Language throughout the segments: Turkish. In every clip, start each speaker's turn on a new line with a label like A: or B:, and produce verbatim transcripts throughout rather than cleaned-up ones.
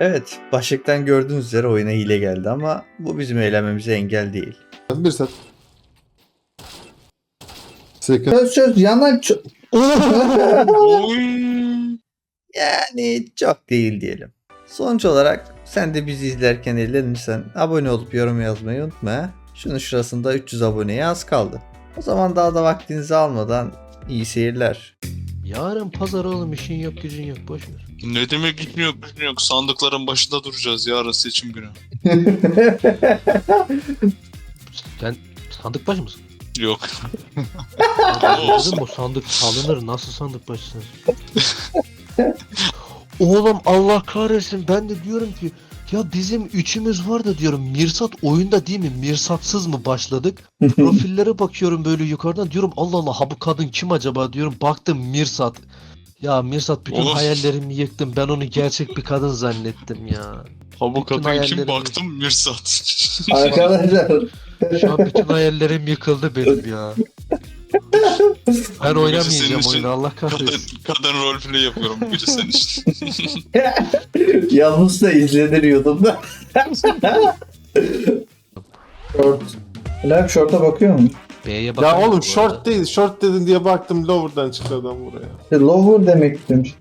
A: Evet, başlıktan gördüğünüz üzere oyuna hile geldi ama bu bizim eğlenmemize engel değil.
B: Bir set. Second.
A: Söz söz yanan çok...
C: Oy.
A: Yani çok değil diyelim. Sonuç olarak sen de bizi izlerken eğlenirsen abone olup yorum yazmayı unutma. ha. Şunun şurasında üç yüz aboneye az kaldı. O zaman daha da vaktinizi almadan iyi seyirler.
D: Yarın pazar oğlum, işin yok gücün yok, boş ver.
C: Ne demek gitmiyor bilmiyor yok. Sandıkların başında duracağız yarın seçim günü.
D: Sen sandık başı mısın?
C: Yok.
D: Dedim bu sandık salınır, nasıl sandık başısınız? Oğlum Allah kahretsin, ben de diyorum ki ya bizim üçümüz var da diyorum, Mirsat oyunda değil mi? Mirsatsız mı başladık? Profillere bakıyorum böyle yukarıdan, diyorum Allah Allah, ha bu kadın kim acaba diyorum, baktım Mirsat. Ya Mirsat, bütün
C: Oğlum.
D: hayallerimi yıktım, ben onu gerçek bir kadın zannettim ya.
C: Ha bu
D: Bütün
C: kadın kim
D: hayallerimi-
C: baktım Mirsat.
A: Arkadaşlar
D: Şu an bütün hayallerim yıkıldı benim ya. Ben oynamayacağım
C: senin için
D: oyunu, Allah
C: kadın,
D: kahretsin.
C: kadın roleplay yapıyorum bu gece senin için.
A: yalnız da izlenir YouTube'da. Short. Lan short'a bakıyor musun?
D: B'ye bakar
B: Ya
D: mısın
B: oğlum
D: bu
B: short
D: arada?
B: değil. Short dedin diye baktım, lower'dan çıktı adam buraya.
A: İşte lower demek istemiş.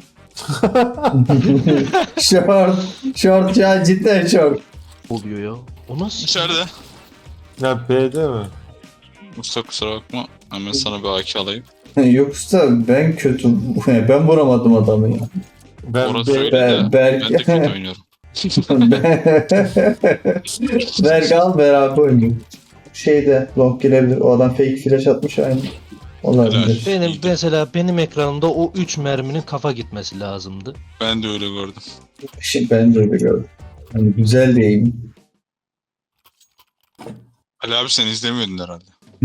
A: short. Short ya, cidden short.
D: Oluyor ya. O nasıl?
C: İçeride.
B: Ya B'de mi?
C: Mustafa kusura bakma. Hemen sana bir A K alayım.
A: Yoksa ben kötüm. Ben vuramadım adamı ya.
B: Ben
C: Orası
B: B.
C: öyle
A: Ben-
C: de.
A: Berk-
C: Ben de kötü oynuyorum.
A: Berk al beraber oynuyor. Şeyde long girebilir. O adam fake flash atmış aynı. Olabilir.
D: Benim
C: İyiydi.
D: mesela benim ekranımda o üç merminin kafa gitmesi lazımdı.
C: Ben de öyle gördüm.
A: Şimdi ben de öyle gördüm. Yani güzel diyeyim.
C: Ali abi sen izlemiyordun herhalde.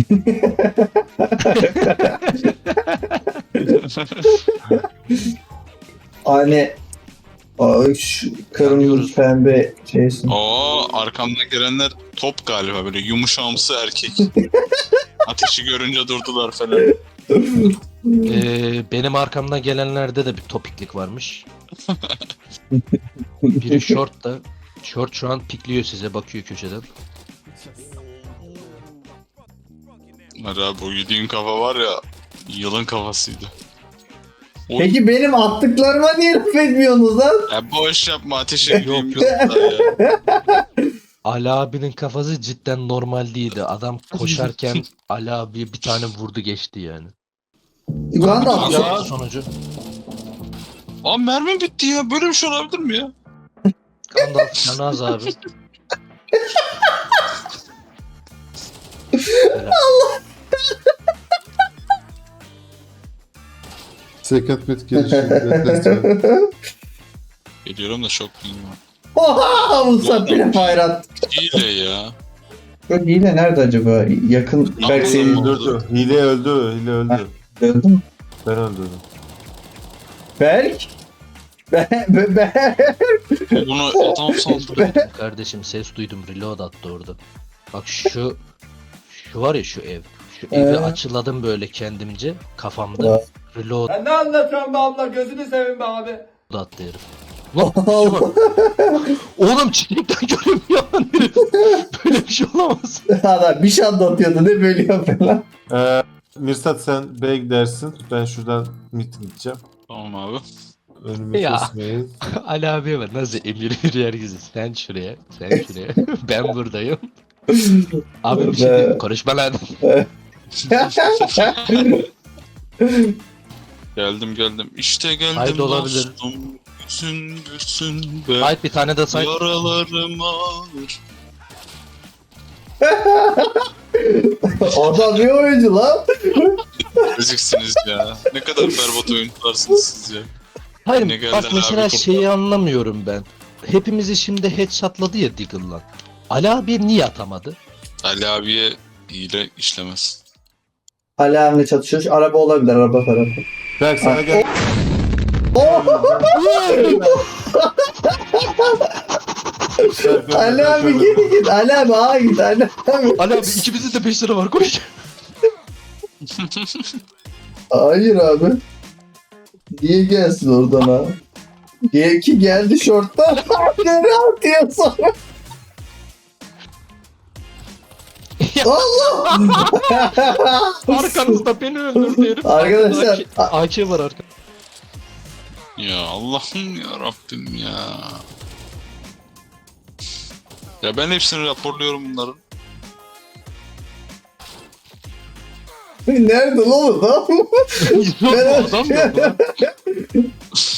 A: Hani o şu kırmızı
D: Yanıyoruz.
A: pembe şeysin.
C: Oo arkamdan gelenler top galiba, böyle yumuşamsı erkek. Ateşi görünce durdular falan.
D: Ee, benim arkamdan gelenlerde de bir topiklik varmış. Biri short da. Short şu an pikliyor, size bakıyor köşeden.
C: Ali abi o yediğin kafa var ya, yılın kafasıydı. O,
A: Peki benim attıklarıma niye laf etmiyorsunuz lan?
C: ya boş yapma, ateş edeyim.
D: Yok, yok.
C: ya.
D: Ali abinin kafası cidden normal değildi. Adam koşarken Ali abiye bir tane vurdu geçti yani.
A: Ben de
C: Ya.
A: atacağım.
D: Sonucu.
C: Aa mermi bitti ya, böyle bir şey olabilir mi ya?
D: Gandalf Canaz abi. Helal.
B: Second mid gelişi.
C: Geliyorum da şok değilim ya.
A: Oha! Musa bile fire attı.
C: Hile ya.
A: Bu hile nerede acaba? Yakın.
C: Ne
A: Berk seni
C: yapalım?
B: Öldürdü. Hile öldü. Hile öldü.
A: öldü mü?
B: Ben öldürdüm.
A: Berk? Be be be.
C: Bunu adam saldırıyor.
D: Kardeşim ses duydum, reload attı orada. Bak şu şu var ya, şu ev. Şu
A: Ee?
D: evi açıladım böyle kendimce kafamda. Reload
E: Ya ne anlatıyorsun be abla, gözünü seveyim be abi.
D: attı herif. Lan şuna bak. Oğlum çiçekten görünmüyor lan herif. Böyle bir şey olamaz.
A: Adam bir şey anlatıyordu, ne böyle yapıyor lan?
B: Ee, Mirsat sen B'ye gidersin. Ben şuradan mid gideceğim.
C: Tamam abi.
B: Önümü
D: Ya.
B: kesmeyin.
D: Ali abiye bak nasıl emir veriyor herkese. Sen şuraya, sen şuraya. Ben buradayım. Abi bir şey
A: Be.
D: diyeyim, konuşma lan.
C: Geldim geldim. İşte geldim.
D: Haydi olabilir.
C: dostum. Gülsün gülsün be.
D: Hayır, bir tane de say.
C: Yaralarım ağır.
A: Adam bir oyuncu lan.
C: Eziksiniz ya. Ne kadar berbat oyuncularsınız siz ya.
D: Hayır
C: Yine geldi
D: bak
C: Ali
D: mesela
C: abi
D: şeyi anlamıyorum ben. Hepimizi şimdi headshotladı ya Deagle'la. Ali abi niye atamadı?
C: Ali abiye hile işlemez.
A: Alarmla çatışıyor. Araba olabilir, araba tarafı.
B: Berk sana gel.
A: Ali abi git git. Ali abi ağa git. Ali abi.
D: Ali abi ikimizin de beş lira var, koş.
A: Hayır abi. Niye gelsin oradan ha? Diye ki geldi şorttan. Nereye atıyor sonra? Allah!
D: Arkanızda beni öldürdü herif.
A: Arkadaşlar,
D: A K var arka.
C: Ya Allah'ım ya Rabbim ya. Ya ben hepsini raporluyorum bunların.
A: Nerede lan o?
D: Yok adam yok lan.